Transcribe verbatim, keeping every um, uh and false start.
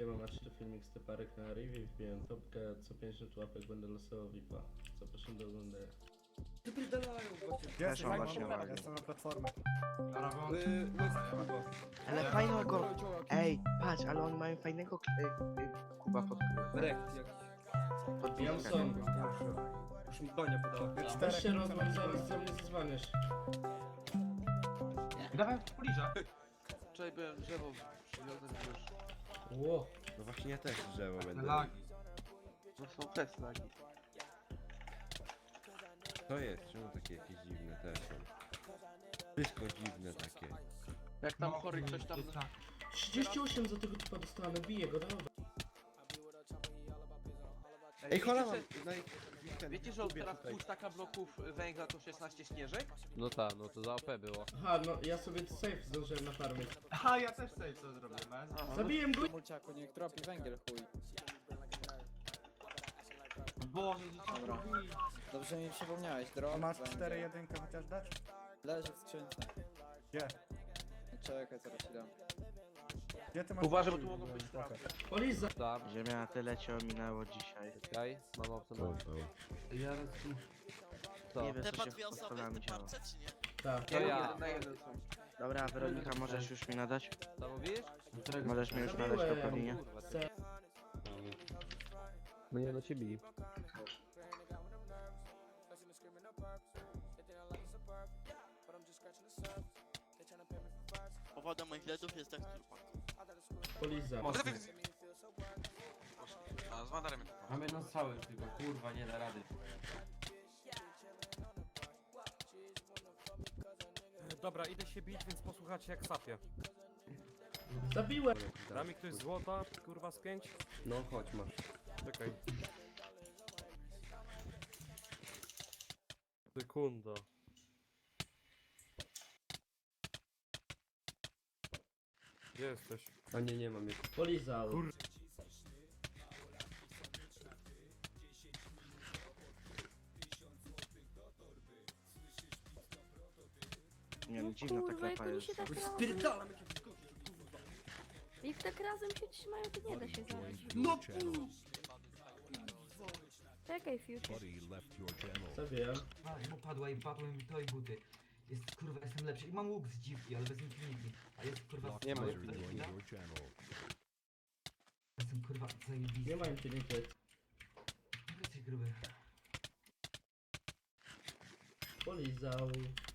Siema, macie tu filmik z Typarek na Rivi, wbiłem topkę, co pięćdziesiąt łapek będę losował V I P-a. Zapraszam do oglądania. Wypierdalają właśnie. Też mam właśnie mam, ładnie. jestem na platformie. Yy, łysy Kuba. Ale fajnego... Ej, patrz, ale oni mają fajnego y, y, Kuba pod... Rek, jak... pod Jamson, Już mi Donia podała. weź się rozłącz, zaraz do mnie zadzwonisz. Dawaj poliża. Wczoraj byłem drzewo przywiozłem już. Ło, No właśnie ja też drzewo będę. Lagi. No są też lagi. To jest, czemu takie jakieś dziwne te są? Wszystko dziwne takie. Jak tam chory ktoś tam... trzydzieści osiem za tego typa dostałem, biję go, dobra. Ej, hola mam! wiecie, No i... że- Wiecie, że od teraz pół staka bloków węgla to szesnaście śnieżek? No tak, no to za O P było. Aha, no ja sobie safe zdążyłem na farmie. Aha, ja też sobie to zrobię, man. Aha, Zabiłem go! Mulciaku, niech tropi węgiel, chuj. Boże, dzieciaki. Dobra. Dobrze mi przypomniałeś, drop, Masz węgiel. cztery jedynkę chociaż dać? Leży w skrzynce. Gdzie? No czekaj, zaraz ci dam. Gdzie ty masz? Uważaj, bo tu mogą być Spoko. sprawy. Poliza! Tam, Ziemia na tyle cię ominęło dzisiaj. czekaj, mam obsługę. Co? Nie wiesz, Te co po się dwie osoby podstawami w działo. parce, czy nie? Tak. To ja. Jeden na jeden są. Dobra, Weronika, możesz już mi nadać? Co mówisz? Możesz mi już nadać to po linie? Chcę. Mnie do ciebie. Powodem moich ledów jest tak trupa. Poliza. A z Mandarem. Mamy jedną strzałę już tylko, kurwa, nie da rady. Dobra, idę się bić, więc posłuchajcie jak sapie. Zabiłem! Da mi ktoś złota, kurwa z pięć? No chodź, masz. Czekaj. Sekunda. Gdzie jesteś? A nie, nie mam jeszcze. Polizał. Kur- Nie no, dziwna ta Kurwa, jak klapa oni jest. się tak razem... Spierdalam jakie wyskoki. Jak tak razem się trzymają, to nie da się zabić. No Czekaj, Future. Zabiłem. A, mu padła i padły mi to i buty. Jest, kurwa, jestem lepszy. I mam łuk z dziwki, ale bez infinity. A jest, kurwa, Nie ma z Infinity. Jestem, kurwa, zajebisty. Nie ma infinity. Jesteś gruby. Polizał.